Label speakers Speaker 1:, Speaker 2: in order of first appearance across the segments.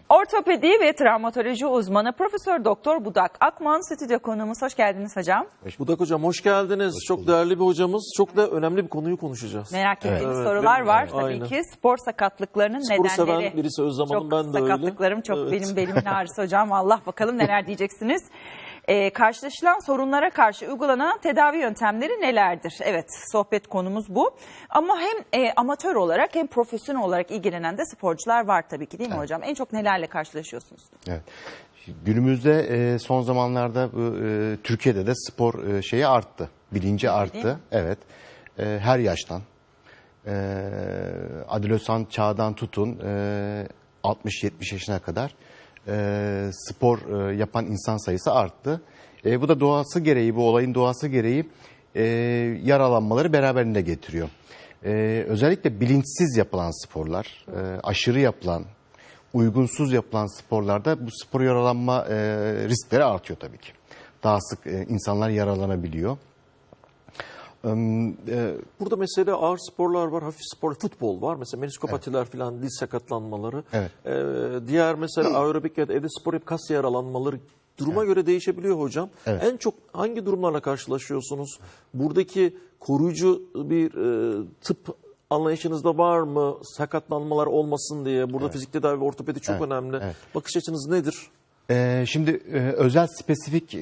Speaker 1: Ortopedi ve travmatoloji uzmanı Profesör Doktor Budak Akman stüdyo konuğumuz. Hoş geldiniz hocam.
Speaker 2: Budak hocam hoş geldiniz. Çok değerli bir hocamız. Çok da önemli bir konuyu konuşacağız.
Speaker 1: Merak ettiğiniz sorular var tabii
Speaker 2: Aynen.
Speaker 1: ki. Spor sakatlıklarının
Speaker 2: Sporu
Speaker 1: nedenleri.
Speaker 2: seven birisi Özlem Hanım, ben de öyle.
Speaker 1: Sakatlıklarım çok benim belimin ağrısı hocam. Allah bakalım neler diyeceksiniz. Karşılaşılan sorunlara karşı uygulanan tedavi yöntemleri nelerdir? Evet, sohbet konumuz bu. Ama hem amatör olarak hem profesyonel olarak ilgilenen de sporcular var tabii ki, değil mi hocam? En çok nelerle karşılaşıyorsunuz?
Speaker 3: Evet. Günümüzde son zamanlarda Türkiye'de de spor şeyi arttı. Bilinci arttı. Evet. Her yaştan. Adolesan çağdan tutun 60-70 yaşına kadar spor yapan insan sayısı arttı. Bu da doğası gereği, bu olayın doğası gereği yaralanmaları beraberinde getiriyor. Özellikle bilinçsiz yapılan sporlar, aşırı yapılan, uygunsuz yapılan sporlarda bu spor yaralanma riskleri artıyor tabii ki. Daha sık insanlar yaralanabiliyor.
Speaker 2: Burada mesela ağır sporlar var, hafif spor, futbol var. Mesela meniskopatiler falan, diz sakatlanmaları.
Speaker 3: Evet.
Speaker 2: Diğer mesela aerobik ya da evde spor yapıp kas yaralanmaları duruma göre değişebiliyor hocam.
Speaker 3: Evet.
Speaker 2: En çok hangi durumlarla karşılaşıyorsunuz? Buradaki koruyucu bir tıp anlayışınızda var mı? Sakatlanmalar olmasın diye. Burada fizik tedavi ve ortopedi çok önemli.
Speaker 3: Evet.
Speaker 2: Bakış açınız nedir?
Speaker 3: Şimdi özel spesifik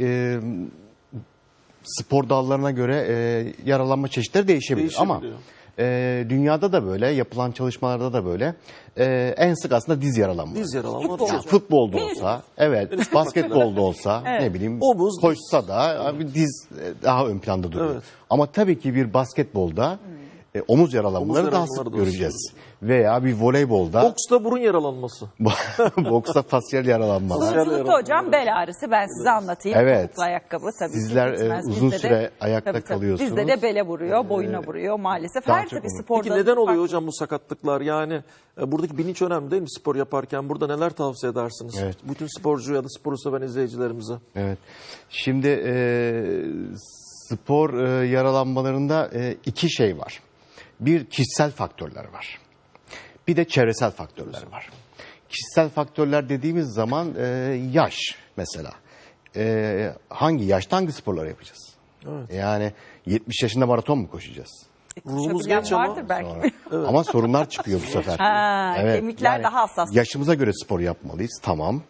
Speaker 3: spor dallarına göre yaralanma çeşitleri değişebilir. Ama dünyada da böyle, yapılan çalışmalarda da böyle. En sık aslında diz yaralanmaları.
Speaker 2: Diz yaralanmaları.
Speaker 3: Yani futbolda olsa, evet, basketbolda olsa, ne bileyim,
Speaker 2: Omuz,
Speaker 3: koşsa da abi diz daha ön planda duruyor.
Speaker 2: Evet.
Speaker 3: Ama tabii ki bir basketbolda omuz yaralanmaları daha sık
Speaker 2: yaralanmaları da
Speaker 3: göreceğiz. Veya bir voleybolda,
Speaker 2: Boksta burun yaralanması.
Speaker 3: boksta fasyal yaralanmalar.
Speaker 1: Sunuculukta hocam bel ağrısı, ben size anlatayım.
Speaker 3: Evet.
Speaker 1: Topuklu ayakkabı tabii
Speaker 3: Sizler
Speaker 1: ki bitmez.
Speaker 3: uzun
Speaker 1: Bizde
Speaker 3: süre ayakta kalıyorsunuz.
Speaker 1: Bizde de bele vuruyor, boyuna vuruyor maalesef.
Speaker 3: daha
Speaker 1: Her
Speaker 3: çok
Speaker 1: tabii
Speaker 3: olur.
Speaker 1: sporda.
Speaker 2: Peki neden oluyor
Speaker 1: farklı.
Speaker 2: hocam bu sakatlıklar? Yani buradaki bilinç önemli değil mi spor yaparken? Burada neler tavsiye edersiniz?
Speaker 3: Evet.
Speaker 2: Bütün sporcu ya da sporu seven izleyicilerimize.
Speaker 3: Evet. Şimdi spor yaralanmalarında iki şey var. Bir, kişisel faktörler var. Bir de çevresel faktörler var. Kişisel faktörler dediğimiz zaman yaş mesela. Hangi yaşta hangi sporları yapacağız?
Speaker 2: Evet.
Speaker 3: Yani 70 yaşında maraton mu koşacağız?
Speaker 2: Ruhumuz
Speaker 1: Koşabilen
Speaker 2: genç ama
Speaker 1: vardır belki.
Speaker 3: Ama sorunlar çıkıyor bu sefer.
Speaker 1: Kemikler daha hassas.
Speaker 3: Yaşımıza göre spor yapmalıyız, tamam.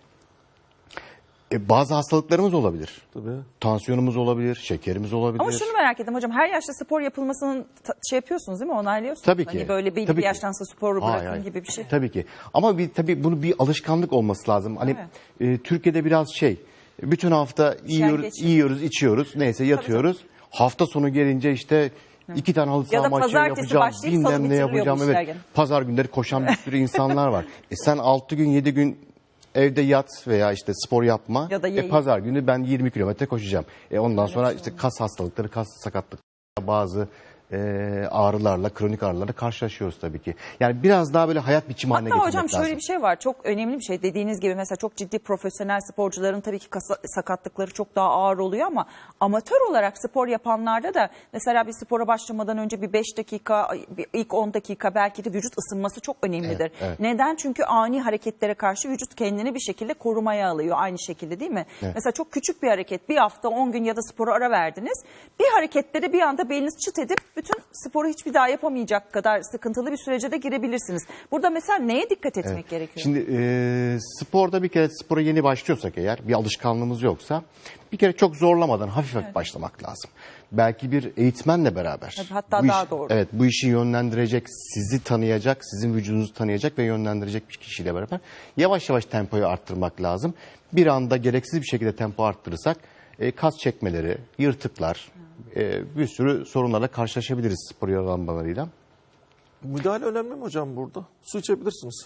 Speaker 3: Bazı hastalıklarımız olabilir.
Speaker 2: tabii.
Speaker 3: Tansiyonumuz olabilir, şekerimiz olabilir.
Speaker 1: Ama şunu merak ettim hocam, her yaşta spor yapılmasının şey yapıyorsunuz değil mi? Onaylıyorsunuz.
Speaker 3: Tabii ki.
Speaker 1: Hani böyle belli
Speaker 3: Tabii
Speaker 1: bir
Speaker 3: ki.
Speaker 1: yaştan sonra sporu
Speaker 3: Hayır,
Speaker 1: bırakın
Speaker 3: hayır.
Speaker 1: gibi bir şey.
Speaker 3: Tabii ki. Ama tabii bunu bir alışkanlık olması lazım. Hani Türkiye'de biraz bütün hafta yiyoruz, içiyoruz, neyse yatıyoruz. Hafta sonu gelince işte 2 tane halı
Speaker 1: Ya
Speaker 3: saha
Speaker 1: da
Speaker 3: maçı
Speaker 1: pazartesi
Speaker 3: yapacağım,
Speaker 1: başlayıp salı
Speaker 3: bilmem ne
Speaker 1: bitiriliyor bu
Speaker 3: yapacağım.
Speaker 1: işler
Speaker 3: Evet.
Speaker 1: gene.
Speaker 3: Pazar günleri koşan bir sürü insanlar var. Sen 6 gün 7 gün evde yat veya işte spor yapma.
Speaker 1: Ya da yayın.
Speaker 3: Pazar günü ben 20 kilometre koşacağım. Ondan sonra işte kas hastalıkları, kas sakatlıkları, bazı ağrılarla, kronik ağrılarla karşılaşıyoruz tabii ki. Yani biraz daha böyle hayat biçimi haline
Speaker 1: Hatta
Speaker 3: getirmek
Speaker 1: hocam şöyle
Speaker 3: lazım.
Speaker 1: bir şey var, çok önemli bir şey, dediğiniz gibi mesela çok ciddi profesyonel sporcuların tabii ki sakatlıkları çok daha ağır oluyor ama amatör olarak spor yapanlarda da mesela bir spora başlamadan önce bir 5 dakika, ilk 10 dakika belki de vücut ısınması çok önemlidir.
Speaker 3: Evet.
Speaker 1: Neden? Çünkü ani hareketlere karşı vücut kendini bir şekilde korumaya alıyor, aynı şekilde değil mi?
Speaker 3: Evet.
Speaker 1: Mesela çok küçük bir hareket, bir hafta 10 gün ya da spora ara verdiniz, bir harekette de bir anda beliniz çıt edip bütün sporu hiçbir daha yapamayacak kadar sıkıntılı bir sürece de girebilirsiniz. Burada mesela neye dikkat etmek gerekiyor?
Speaker 3: Şimdi sporda bir kere spora yeni başlıyorsak eğer, bir alışkanlığımız yoksa bir kere çok zorlamadan hafif başlamak lazım. Belki bir eğitmenle beraber.
Speaker 1: Tabii, hatta
Speaker 3: bu
Speaker 1: daha doğru.
Speaker 3: Evet, bu işi yönlendirecek, sizi tanıyacak, sizin vücudunuzu tanıyacak ve yönlendirecek bir kişiyle beraber yavaş yavaş tempoyu arttırmak lazım. Bir anda gereksiz bir şekilde tempo arttırırsak kas çekmeleri, yırtıklar, bir sürü sorunlarla karşılaşabiliriz spor yaralanmalarıyla.
Speaker 2: Müdahale önemli mi hocam burada? Su içebilirsiniz.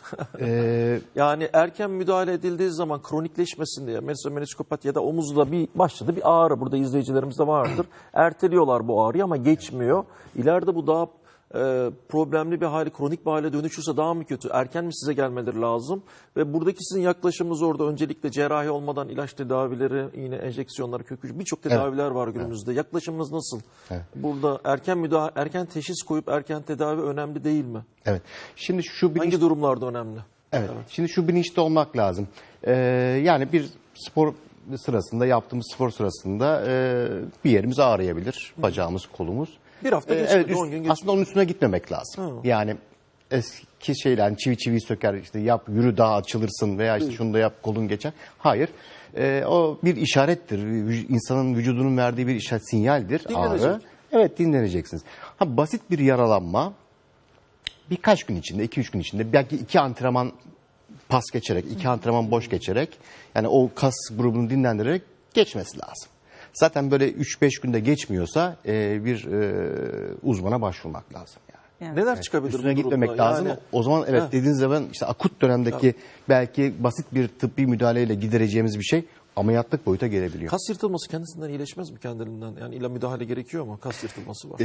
Speaker 2: Yani erken müdahale edildiği zaman kronikleşmesin diye. Mesela meniskopati ya da omuzda başladı bir ağrı. Burada izleyicilerimizde vardır. Erteliyorlar bu ağrıyı ama geçmiyor. İleride bu daha problemli bir hale, kronik bir hale dönüşürse daha mı kötü? Erken mi size gelmeleri lazım? Ve buradaki sizin yaklaşımınız orada öncelikle cerrahi olmadan ilaç tedavileri, iğne enjeksiyonları, kök hücre, birçok tedaviler var günümüzde. Yaklaşımınız nasıl? Burada erken teşhis koyup erken tedavi önemli değil mi?
Speaker 3: Evet. Şimdi şu
Speaker 2: Hangi durumlarda önemli?
Speaker 3: Evet. Şimdi şu bilinçli olmak lazım. Yani bir spor sırasında, yaptığımız spor sırasında bir yerimiz ağrıyabilir. Bacağımız, kolumuz.
Speaker 2: Bir hafta geçmedi, 10 gün geçmedi.
Speaker 3: Aslında onun üstüne gitmemek lazım. Yani eski şeyler, çivi çivi söker, işte yap, yürü daha açılırsın veya işte şunu da yap, kolun geçer. Hayır. O bir işarettir. İnsanın vücudunun verdiği bir işaret, sinyaldir.
Speaker 2: Dinlenecek.
Speaker 3: Ağrı. Evet, dinleneceksiniz. Basit bir yaralanma birkaç gün içinde, 2-3 gün içinde, belki 2 antrenman pas geçerek, 2 antrenman boş geçerek, yani o kas grubunu dinlendirerek geçmesi lazım. Zaten böyle 3-5 günde geçmiyorsa bir uzmana başvurmak lazım. Yani.
Speaker 2: Neler çıkabilir
Speaker 3: Üstüne
Speaker 2: bu
Speaker 3: gitmemek
Speaker 2: durumda?
Speaker 3: lazım.
Speaker 2: Yani,
Speaker 3: O zaman dediğiniz zaman işte akut dönemdeki belki basit bir tıbbi müdahaleyle gidereceğimiz bir şey ameliyatlık boyuta gelebiliyor.
Speaker 2: kas yırtılması kendisinden iyileşmez mi kendiliğinden? Yani illa müdahale gerekiyor mu? Kas yırtılması var.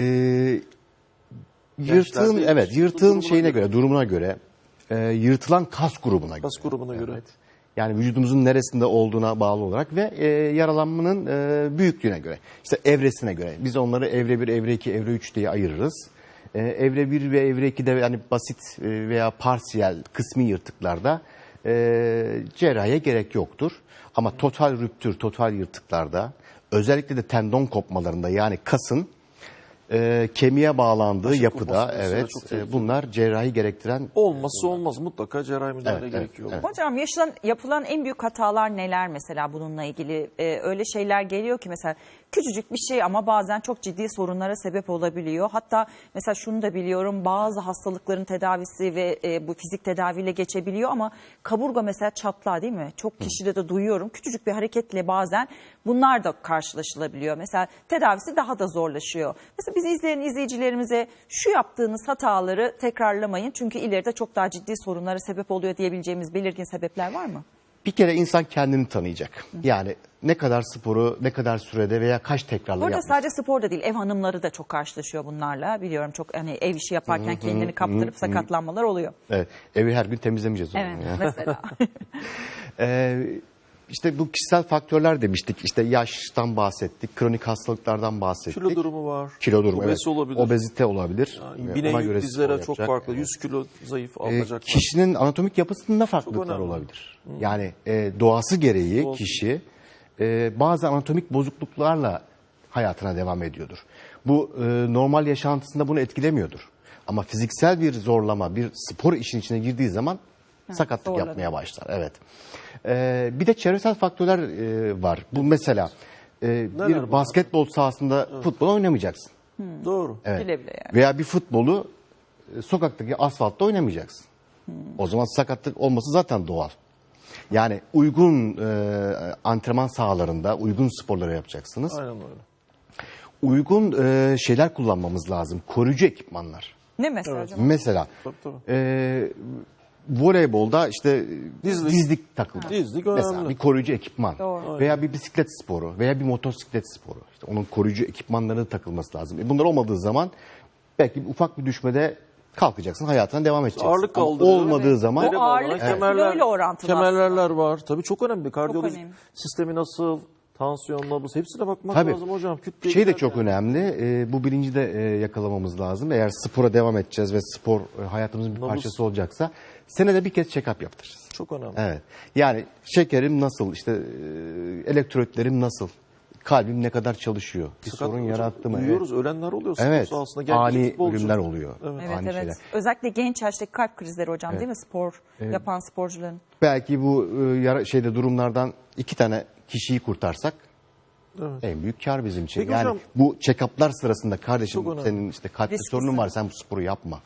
Speaker 3: Yırtığın,
Speaker 2: Gençlerde
Speaker 3: yırtığın şeyine göre, durumuna göre, yırtılan kas grubuna göre.
Speaker 2: Kas grubuna göre.
Speaker 3: Yani vücudumuzun neresinde olduğuna bağlı olarak ve yaralanmanın büyüklüğüne göre. İşte evresine göre. Biz onları evre 1, evre 2, evre 3 diye ayırırız. Evre 1 ve evre 2'de yani basit veya parsiyel, kısmi yırtıklarda cerrahiye gerek yoktur. Ama total rüptür, total yırtıklarda, özellikle de tendon kopmalarında, yani kasın kemiğe bağlandığı
Speaker 2: Başa
Speaker 3: yapıda,
Speaker 2: kopması mesela
Speaker 3: evet,
Speaker 2: çok tehlikeli.
Speaker 3: bunlar cerrahi gerektiren.
Speaker 2: Olmazsa olmaz. Mutlaka cerrahi müdahale
Speaker 3: Evet,
Speaker 2: gerekiyor.
Speaker 3: evet.
Speaker 1: Hocam yapılan en büyük hatalar neler mesela bununla ilgili? Öyle şeyler geliyor ki mesela küçücük bir şey ama bazen çok ciddi sorunlara sebep olabiliyor. Hatta mesela şunu da biliyorum, bazı hastalıkların tedavisi ve bu fizik tedaviyle geçebiliyor ama kaburga mesela çatlağı, değil mi? Çok kişide de duyuyorum. Küçücük bir hareketle bazen bunlar da karşılaşılabiliyor. Mesela tedavisi daha da zorlaşıyor. Mesela biz izleyen izleyicilerimize şu yaptığınız hataları tekrarlamayın, çünkü ileride çok daha ciddi sorunlara sebep oluyor diyebileceğimiz belirgin sebepler var mı?
Speaker 3: Bir kere insan kendini tanıyacak. Yani ne kadar sporu, ne kadar sürede veya kaç tekrarla
Speaker 1: Burada
Speaker 3: yapması.
Speaker 1: sadece sporda değil, ev hanımları da çok karşılaşıyor bunlarla. Biliyorum, çok hani ev işi yaparken kendini kaptırıp sakatlanmalar oluyor.
Speaker 3: Evet, evi her gün temizlemeyeceğiz. o zaman
Speaker 1: Evet,
Speaker 3: yani.
Speaker 1: mesela.
Speaker 3: İşte bu kişisel faktörler demiştik. İşte yaştan bahsettik, kronik hastalıklardan bahsettik.
Speaker 2: Kilo durumu var.
Speaker 3: Kilo durumu,
Speaker 2: Obez
Speaker 3: evet.
Speaker 2: olabilir.
Speaker 3: Obezite olabilir.
Speaker 2: Yani
Speaker 3: Ona
Speaker 2: bineğin
Speaker 3: göre
Speaker 2: dizlere
Speaker 3: spor
Speaker 2: çok
Speaker 3: yapacak.
Speaker 2: farklı. 100 kilo zayıf alacak.
Speaker 3: Kişinin anatomik yapısında farklılıklar
Speaker 2: önemli.
Speaker 3: olabilir. Yani doğası gereği
Speaker 2: Doğası.
Speaker 3: kişi bazı anatomik bozukluklarla hayatına devam ediyordur. Bu normal yaşantısında bunu etkilemiyordur. Ama fiziksel bir zorlama, bir spor işin içine girdiği zaman sakatlık
Speaker 1: zorlanıyor.
Speaker 3: yapmaya başlar. Evet. Bir de çevresel faktörler var. Bu mesela bir
Speaker 2: bunlar?
Speaker 3: basketbol sahasında futbol oynamayacaksın.
Speaker 2: Doğru.
Speaker 3: Evet.
Speaker 1: Bile bile yani.
Speaker 3: Veya bir futbolu sokaktaki asfaltta oynamayacaksın. O zaman sakatlık olması zaten doğal. Yani uygun antrenman sahalarında uygun sporları yapacaksınız.
Speaker 2: Aynen öyle.
Speaker 3: Uygun şeyler kullanmamız lazım. Koruyucu ekipmanlar.
Speaker 1: Ne mesela hocam?
Speaker 3: Mesela
Speaker 2: Tabii.
Speaker 3: voleybolda işte
Speaker 2: Dizlik.
Speaker 3: dizlik takılır.
Speaker 2: Dizlik
Speaker 3: Mesela
Speaker 2: önemli.
Speaker 3: bir koruyucu ekipman.
Speaker 1: Doğru.
Speaker 3: Veya bir bisiklet sporu veya bir motosiklet sporu. İşte onun koruyucu ekipmanlarının takılması lazım. Bunlar olmadığı zaman belki ufak bir düşmede kalkacaksın, hayatına devam edeceksin.
Speaker 2: Ağırlık
Speaker 3: Ama
Speaker 2: kaldırıyor.
Speaker 3: olmadığı zaman
Speaker 1: O ağırlık kiloyla orantılı
Speaker 2: kemerler var. Tabii çok önemli. Kardiyoloji
Speaker 1: önemli.
Speaker 2: sistemi nasıl, tansiyon nabız, hepsine bakmak
Speaker 3: Tabii.
Speaker 2: lazım hocam. Kütle
Speaker 3: Şey de
Speaker 2: gider
Speaker 3: çok
Speaker 2: yani.
Speaker 3: önemli. Bu bilinci de yakalamamız lazım. Eğer spora devam edeceğiz ve spor hayatımızın bir
Speaker 2: Nabız.
Speaker 3: parçası olacaksa senede bir kez check-up yaptıracağız.
Speaker 2: Çok önemli.
Speaker 3: Evet. Yani şekerim nasıl, işte elektrotlerim nasıl, kalbim ne kadar çalışıyor, bir
Speaker 2: Sakat
Speaker 3: sorun
Speaker 2: hocam,
Speaker 3: yarattı mı?
Speaker 2: duyuyoruz, ölenler oluyor. spor
Speaker 3: Evet.
Speaker 2: sahasında. Genç
Speaker 3: Ani
Speaker 2: futbolcu.
Speaker 3: ölümler oluyor.
Speaker 1: Evet,
Speaker 3: Ani
Speaker 1: evet.
Speaker 3: şeyler.
Speaker 1: Özellikle genç yaştaki kalp krizleri hocam, değil mi? Spor yapan sporcuların.
Speaker 3: Belki bu durumlardan 2 tane kişiyi kurtarsak en büyük kar bizim için.
Speaker 2: Peki
Speaker 3: yani
Speaker 2: hocam-
Speaker 3: bu check-up'lar sırasında kardeşim
Speaker 2: Çok önemli.
Speaker 3: senin işte kalp
Speaker 1: Risklisin.
Speaker 3: sorunun var, sen bu sporu yapma.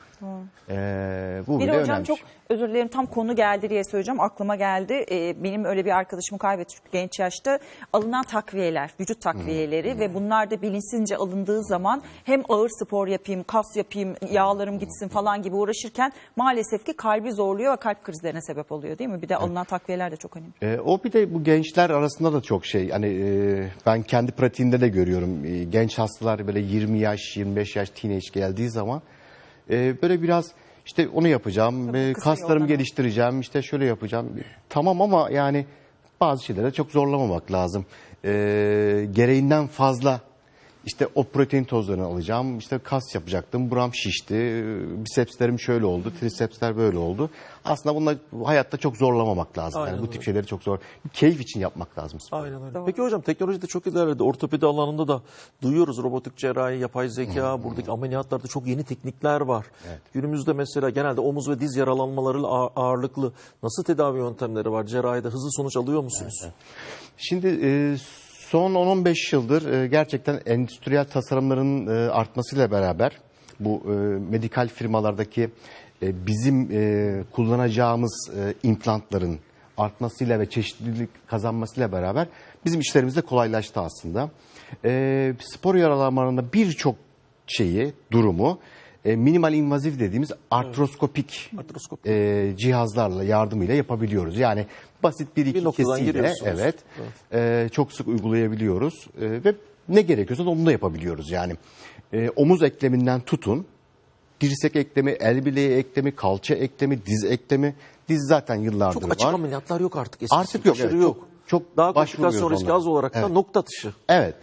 Speaker 3: Bu
Speaker 1: Bir
Speaker 3: bile
Speaker 1: de hocam
Speaker 3: önemli.
Speaker 1: çok özür dilerim, tam konu geldi diye söyleyeceğim, aklıma geldi. Benim öyle bir arkadaşımı kaybettik genç yaşta. Alınan takviyeler, vücut takviyeleri ve bunlar da bilinçsizce alındığı zaman hem ağır spor yapayım, kas yapayım, yağlarım gitsin falan gibi uğraşırken maalesef ki kalbi zorluyor ve kalp krizlerine sebep oluyor, değil mi? Bir de alınan takviyeler de çok önemli.
Speaker 3: O bir de bu gençler arasında da çok şey. Hani ben kendi pratiğimde de görüyorum. Genç hastalar böyle 20 yaş, 25 yaş teenage geldiği zaman böyle biraz işte onu yapacağım,
Speaker 1: Tabii kısa
Speaker 3: kaslarımı
Speaker 1: yoldan
Speaker 3: geliştireceğim, işte şöyle yapacağım. Tamam ama yani bazı şeylere çok zorlamamak lazım. Gereğinden fazla İşte o protein tozlarını alacağım. İşte kas yapacaktım. Buram şişti. Bisepslerim şöyle oldu. Trisepsler böyle oldu. Aslında bunlar hayatta çok zorlamamak lazım.
Speaker 2: Aynen
Speaker 3: Yani bu
Speaker 2: öyle.
Speaker 3: tip şeyleri çok zor. Keyif için yapmak lazım.
Speaker 2: Aynen öyle.
Speaker 1: Doğru.
Speaker 2: Peki hocam teknoloji de çok ilerledi. Ortopedi alanında da duyuyoruz robotik cerrahi, yapay zeka, buradaki ameliyatlarda çok yeni teknikler var. Günümüzde mesela genelde omuz ve diz yaralanmaları ağırlıklı nasıl tedavi yöntemleri var? Cerrahide hızlı sonuç alıyor musunuz?
Speaker 3: Şimdi son 10-15 yıldır gerçekten endüstriyel tasarımların artmasıyla beraber bu medikal firmalardaki bizim kullanacağımız implantların artmasıyla ve çeşitlilik kazanmasıyla beraber bizim işlerimiz de kolaylaştı aslında. Spor yaralanmalarında birçok durumu minimal invaziv dediğimiz artroskopik
Speaker 2: Artroskop.
Speaker 3: cihazlarla yardımıyla yapabiliyoruz. Yani basit bir iki
Speaker 2: noktadan
Speaker 3: kesiyle
Speaker 2: giriyorsunuz.
Speaker 3: çok sık uygulayabiliyoruz ve ne gerekiyorsa onu da yapabiliyoruz. Yani omuz ekleminden tutun, dirsek eklemi, el bileği eklemi, kalça eklemi, diz eklemi. Diz zaten yıllardır
Speaker 2: Çok açık
Speaker 3: var.
Speaker 2: ameliyatlar yok artık eskisi.
Speaker 3: Artık yok.
Speaker 2: Aşırı
Speaker 3: Evet,
Speaker 2: yok.
Speaker 3: çok
Speaker 2: Daha
Speaker 3: başvuruyoruz
Speaker 2: komplikasyon riski
Speaker 3: onlara.
Speaker 2: az olarak da
Speaker 3: Evet.
Speaker 2: nokta atışı.
Speaker 3: Evet.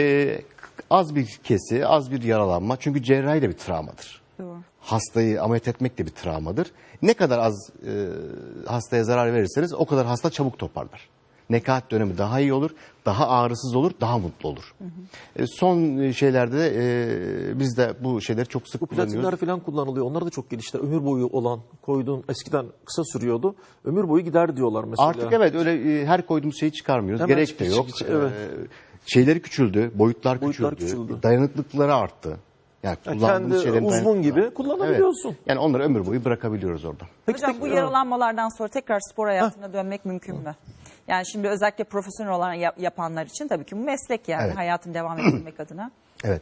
Speaker 3: Az bir kesi, az bir yaralanma. Çünkü cerrahi de bir travmadır.
Speaker 1: Doğru.
Speaker 3: Hastayı ameliyat etmek de bir travmadır. Ne kadar az hastaya zarar verirseniz o kadar hasta çabuk toparlar. Nekaat dönemi daha iyi olur, daha ağrısız olur, daha mutlu olur. Son şeylerde biz de bu şeyleri çok sık
Speaker 2: Bu
Speaker 3: kullanıyoruz.
Speaker 2: platinler falan kullanılıyor. Onlar da çok gelişti. Ömür boyu olan koyduğun eskiden kısa sürüyordu. Ömür boyu gider diyorlar mesela.
Speaker 3: Artık evet öyle her koyduğumuz şeyi çıkarmıyoruz.
Speaker 2: Hemen
Speaker 3: Gerek de yok.
Speaker 2: evet.
Speaker 3: Şeyleri küçüldü, boyutlar
Speaker 2: Boyutlar
Speaker 3: küçüldü,
Speaker 2: küçüldü.
Speaker 3: dayanıklıkları arttı. Yani kullandığımız
Speaker 2: kendi
Speaker 3: şeylerin
Speaker 2: uzvun
Speaker 3: dayanıklılığı
Speaker 2: gibi
Speaker 3: arttı.
Speaker 2: kullanabiliyorsun.
Speaker 3: Evet. Yani onları ömür boyu bırakabiliyoruz orada.
Speaker 1: Hocam bu yaralanmalardan sonra tekrar spor hayatına dönmek mümkün mü? Yani şimdi özellikle profesyonel olan yapanlar için tabii ki bu meslek yani
Speaker 3: Evet.
Speaker 1: hayatını devam ettirmek adına.
Speaker 3: Evet.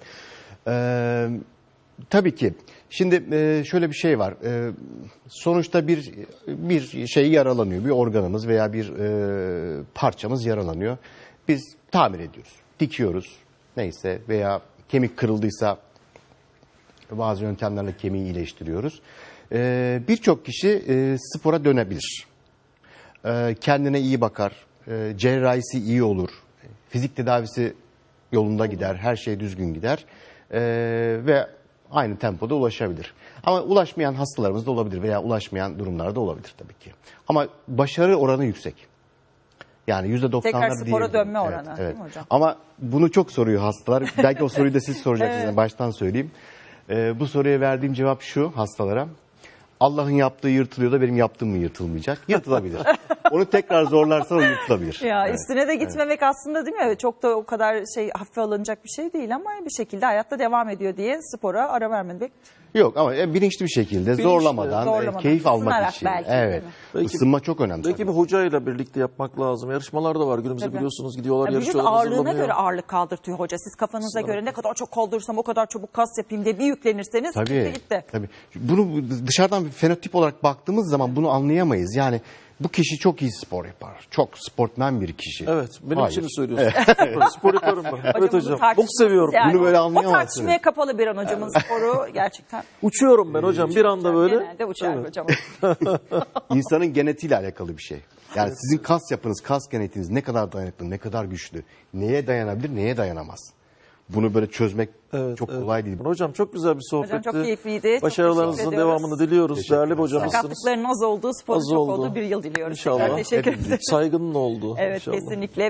Speaker 3: Tabii ki. Şimdi şöyle bir şey var. Sonuçta bir şey yaralanıyor. Bir organımız veya bir parçamız yaralanıyor. Biz tamir ediyoruz. Dikiyoruz. Neyse veya kemik kırıldıysa bazı yöntemlerle kemiği iyileştiriyoruz. Birçok kişi spora dönebilir. Kendine iyi bakar. Cerrahisi iyi olur. Fizik tedavisi yolunda gider. Her şey düzgün gider. Ve aynı tempoda ulaşabilir. Ama ulaşmayan hastalarımız da olabilir veya ulaşmayan durumlarda olabilir tabii ki. Ama başarı oranı yüksek. Yani %90'lar
Speaker 1: Tekrar spora
Speaker 3: diyebilirim.
Speaker 1: dönme oranı, değil mi hocam?
Speaker 3: Ama bunu çok soruyor hastalar. Belki o soruyu da siz soracaksınız.
Speaker 1: Evet.
Speaker 3: Yani baştan söyleyeyim. Bu soruya verdiğim cevap şu hastalara. Allah'ın yaptığı yırtılıyor da benim yaptığım mı yırtılmayacak? Yırtılabilir. Onu tekrar zorlarsan o yırtılabilir.
Speaker 1: Ya
Speaker 3: Evet.
Speaker 1: üstüne de gitmemek aslında değil mi? Çok da o kadar hafife alınacak bir şey değil ama bir şekilde hayatta devam ediyor diye spora ara vermemek.
Speaker 3: Yok ama bilinçli bir şekilde zorlamadan, keyif almak
Speaker 1: ısınarak
Speaker 3: için.
Speaker 1: belki,
Speaker 3: Evet.
Speaker 1: değil mi?
Speaker 2: Belki-
Speaker 3: Isınma çok önemli.
Speaker 2: Belki bir hocayla birlikte yapmak lazım. Yarışmalar da var günümüzde
Speaker 1: Tabii.
Speaker 2: biliyorsunuz. Gidiyorlar
Speaker 1: Ya vücut
Speaker 2: yarışıyorlar.
Speaker 1: ağırlığına
Speaker 2: hazırlanıyor.
Speaker 1: göre ağırlık kaldırtıyor hoca. Siz kafanıza göre ne kadar çok kaldırsam o kadar çabuk kas yapayım diye bir yüklenirseniz gitti
Speaker 3: Tabii,
Speaker 1: gitti.
Speaker 3: tabii. Bunu dışarıdan bir fenotip olarak baktığımız zaman bunu anlayamayız. Yani bu kişi çok iyi spor yapar. Çok sportmen bir kişi.
Speaker 2: Evet. Benim
Speaker 3: Hayır.
Speaker 2: için mi söylüyorsun? Spor yaparım ben. Evet
Speaker 1: bu
Speaker 2: hocam.
Speaker 1: tartışmasız
Speaker 2: Çok seviyorum.
Speaker 1: yani.
Speaker 3: Bunu böyle
Speaker 1: O
Speaker 3: anlayamazsınız.
Speaker 1: tartışmaya kapalı bir an hocamın sporu gerçekten.
Speaker 2: Uçuyorum ben hocam. Bir anda böyle.
Speaker 1: Genelde uçar hocam.
Speaker 3: İnsanın genetiğiyle alakalı bir şey. Yani sizin kas yapınız, kas genetiğiniz ne kadar dayanıklı, ne kadar güçlü, neye dayanabilir, neye dayanamaz. Bunu böyle çözmek çok kolay değil.
Speaker 2: Hocam çok güzel bir sohbetti.
Speaker 1: Hocam çok keyifliydi. Çok
Speaker 2: Başarılarınızın
Speaker 1: teşekkür ediyoruz.
Speaker 2: devamını diliyoruz. Değerli bir hocamızsınız.
Speaker 1: Sakatlıkların az olduğu, sporun
Speaker 2: Az
Speaker 1: çok
Speaker 2: oldu.
Speaker 1: olduğu bir yıl diliyoruz.
Speaker 2: İnşallah.
Speaker 1: Tekrar teşekkür ederim.
Speaker 2: Saygının olduğu.
Speaker 1: Evet
Speaker 2: inşallah.
Speaker 1: kesinlikle.